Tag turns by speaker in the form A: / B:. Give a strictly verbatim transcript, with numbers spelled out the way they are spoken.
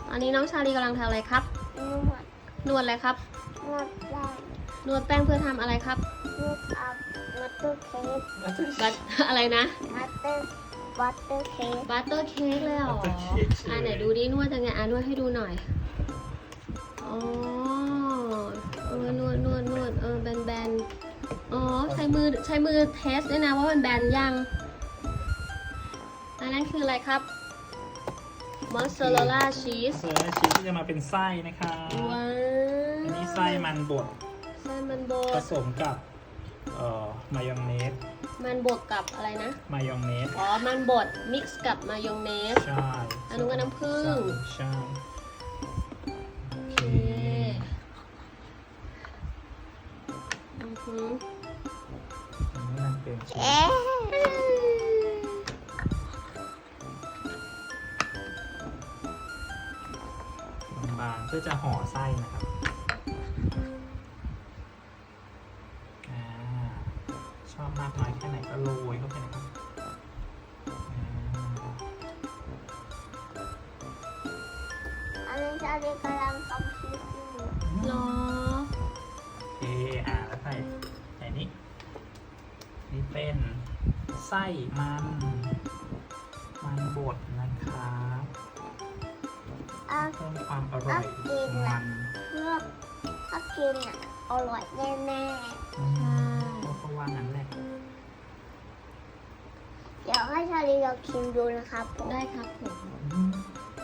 A: ตอนนี้น้องชาลีกำลังทำอะไรครับ
B: นวด
A: นวดอะไรครับ
B: นวดแป้ง
A: นวดแป้งเพื่อทำอะไรครับ
B: นวดเอามัตเตอร์เค้ก
A: บัต อะไรนะ
B: มัตเตอร์บัตเตอร์เค้ก
A: บัตเตอร์เค้กเลยเหรอ อ่ะไหนดูดินวดยังไงอ่ะนวดให้ดูหน่อย อ๋อเออนวดนวดนวดเออแบนแบนอ๋อใช้มือใช้มือเทสด้วยนะว่ามันแบนยัง อันนั้นคืออะไรครับ มอสซาเรลล่าชีส
C: เซอร์ชีสที่จะมาเป็นไส้นะคะ
A: ว้าว
C: อันนี้ไส้มันบด
A: ไส้มันบ
C: ผ
A: ด
C: สมกับเอ่อมายองเนส
A: มันบดกับอะไรนะ
C: มายองเนส
A: อ๋อ มันบดมิกซ์กับมายองเนส
C: ใช่
A: อันนู้นก็น้ำผึ้ง
C: ใช่โอเค
A: โอเคอือหือ
C: อันนี้มันเป็นชีส
B: เอ๊ะ
C: บางๆเพื่อจะห่อไส้นะครับอ่าชอบมากน้อยแค่ไหนก็โรยเข้าไปนะครับอ่า
B: อันนี้ชาลีกำลังทำชีสอยู่
A: เหรอ
C: โอเคอ่าแล้วใส่ใส่นี้นี่เป็นไส้มัน มันบดนะครับ
B: อ่ะ
C: เพิ่มความอร่อยของมัน
B: เพื่อถ้ากินอ่ะอร่อยแน่
C: อืมเพราะว่างั้นแหละ
B: ๆเดี๋ยวให้ชาลีลองชิมดูนะครับผม
A: ได้ครับผม
C: อืม